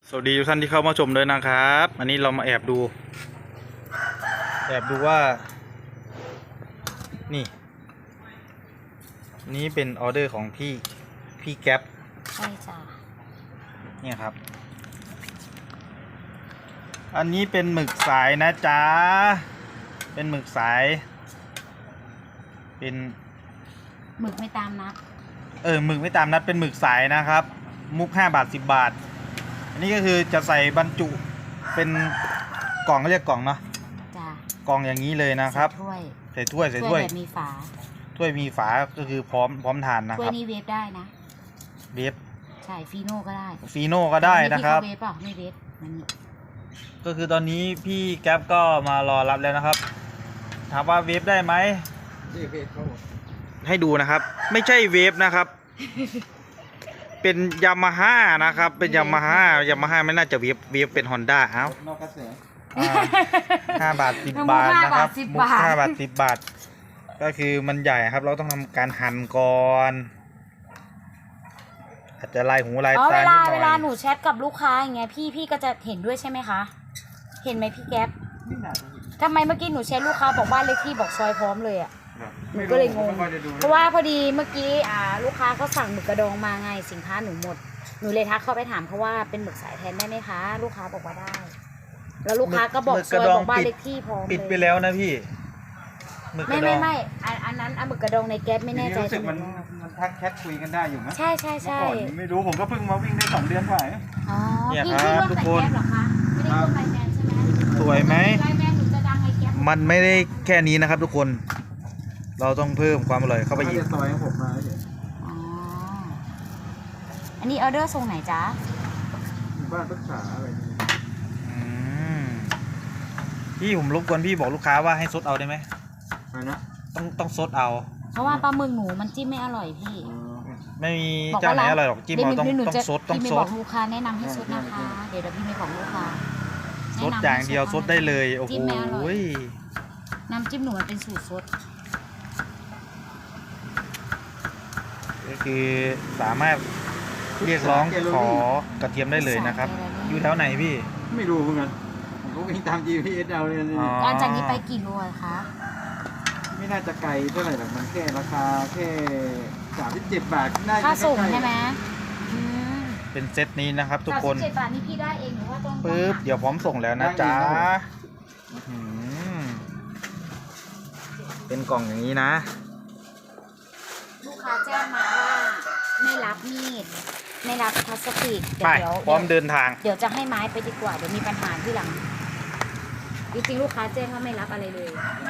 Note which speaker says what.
Speaker 1: สวัสดีทุกท่านที่เข้ามาชมด้วยนะครับอันนี้เรามาแอบดูว่านี่เป็นออเดอร์ของพี่แก๊ป
Speaker 2: ใช่จ้ะ
Speaker 1: เนี่ยครับอันนี้เป็นหมึกสายนะจ๊ะเป็นหมึกสายเป็น
Speaker 2: หมึกไม่ตามนัด
Speaker 1: หมึกไม่ตามนัดเป็นหมึกสายนะครับมุก5 บาท 10 บาทอันนี้ก็คือจะใส่บรรจุเป็นกล่องเขาเรียกกล่องเนาะ
Speaker 2: จ้ะ
Speaker 1: กล่องอย่างนี้เลยนะครับใส่ถ้วย
Speaker 2: แบบมีฝา
Speaker 1: ถ้วยมีฝาก็คือพร้อมทานนะครับ
Speaker 2: ถ้วยนี้เวฟได้นะ
Speaker 1: เวฟ
Speaker 2: ใช่ฟีโน่ก็ได้
Speaker 1: นะครับ
Speaker 2: เวฟเปล่าไม่เวฟมันนี่
Speaker 1: ก็คือตอนนี้พี่แก๊ปก็มารอรับแล้วนะครับถามว่าเวฟได้ไหมให้ดูนะครับไม่ใช่เวฟนะครับเป็นยามาฮ่านะครับเป็นยามาฮ่าไม่น่าจะเวฟเป็นฮอนด้านอกกระแส5 บาท 10 บาทนะครับมุก5 บาท 10 บาทก็คือมันใหญ่ครับเราต้องทำการหั่นก่อนอาจจะลายหูลายตานิดหน่อย
Speaker 2: เวลาหนูแชทกับลูกค้าอย่างเงี้ยพี่ก็จะเห็นด้วยใช่ไหมคะเห็นไหมพี่แก๊ปทำไมเมื่อกี้หนูแชทลูกค้าบอกบ้านเลขที่บอกซอยพร้อมเลยอ่ะหนูก็เลยงงเพราะว่าพอดีเมื่อกี้ลูกค้าเขาสั่งหมึกกระดองมาไงสินค้าหนูหมดหนูเลยทักเข้าไปถามเขาว่าเป็นหมึกสายแทนได้ไหมคะลูกค้าบอกว่าได้แล้วลูกค้าก็บอกซอยบอกบ้านเลขที่พร้อมเลย
Speaker 1: ปิดไปแล้วนะพี่
Speaker 2: ไม่อันนั้นหมึกกระดองในแก๊ปไม่แน่ใจ
Speaker 3: รู้สึกมันทักแชทคุยกันได้อยู่ไหม
Speaker 2: ใช่
Speaker 3: ไม่รู้ผมก็เพิ่งมาวิ่งได้2 เดือนกว่า
Speaker 2: อ๋อพี่ร่วมแต่แก๊ปเหรอคะไม่ได้ร่วมไลน์แมนใช่ไหม
Speaker 1: สวยไหม
Speaker 2: ไลน์แมนหนูจะดังไอ้แก๊ป
Speaker 1: มันไม่ได้แค่นี้นะครับทุกคนเราต้องเพิ่มความอร่อยเข้าไปอีก
Speaker 3: ซอยของผมมา
Speaker 2: อ๋ออันนี้ออเดอร์ส่งไหนจ๊ะ
Speaker 3: บ้านปรึกษาอะไร
Speaker 1: พี่ผมรบกวนพี่บอกลูกค้าว่าให้ซดเอาได้ไหม
Speaker 3: นะ
Speaker 1: ต้องซดเอา
Speaker 2: เพราะว่าปลาหมึกหนูมันจิ้มไม่อร่อยพี่
Speaker 1: ไม่มีเจ้าไหนอร่อยหรอกจิ้มเราต้องซด
Speaker 2: พี่ไม่บอกลูกค้าแนะนำให้ซดนะคะเดี๋ยวพี่ไม่บอกลูกค้า
Speaker 1: ซดอย่างเดียวซดได้เลยโอ้โห
Speaker 2: น้ำจิ้มหนูมันเป็นสูตรซด
Speaker 1: ก็คือสามารถเรียกร้องขอกระเทียมได้เลยนะครับอยู่แถวไหนพี่
Speaker 3: ไม่รู้เหมือนกันผมก็วิ่งตาม GPS เอาเลย
Speaker 2: หลังจากนี้ไปกี่โลคะ
Speaker 3: ไม่น่าจะไกลเท่าไหร่หรอกมันแค่ราคาแค่37 บาทน่าจะ
Speaker 2: ค่าส่งใช่ไหม
Speaker 1: เป็นเซตนี้นะครับทุกคน
Speaker 2: 37 บาทนี่พี่ได้เองหรือว่าต้อง
Speaker 1: ปึ๊บเดี๋ยวพร้อมส่งแล้วนะจ๊ะเป็นกล่องอย่างนี้นะ
Speaker 2: ลูกค้าแจ้งมาว่าไม่รับมีดไม่รับพลาสติก
Speaker 1: ไปพร้อมเดินทาง
Speaker 2: เดี๋ยวจะให้ไม้ไปดีกว่าเดี๋ยวมีปัญหาที่หลังจริงๆลูกค้าแจ้งว่าไม่รับอะไรเลย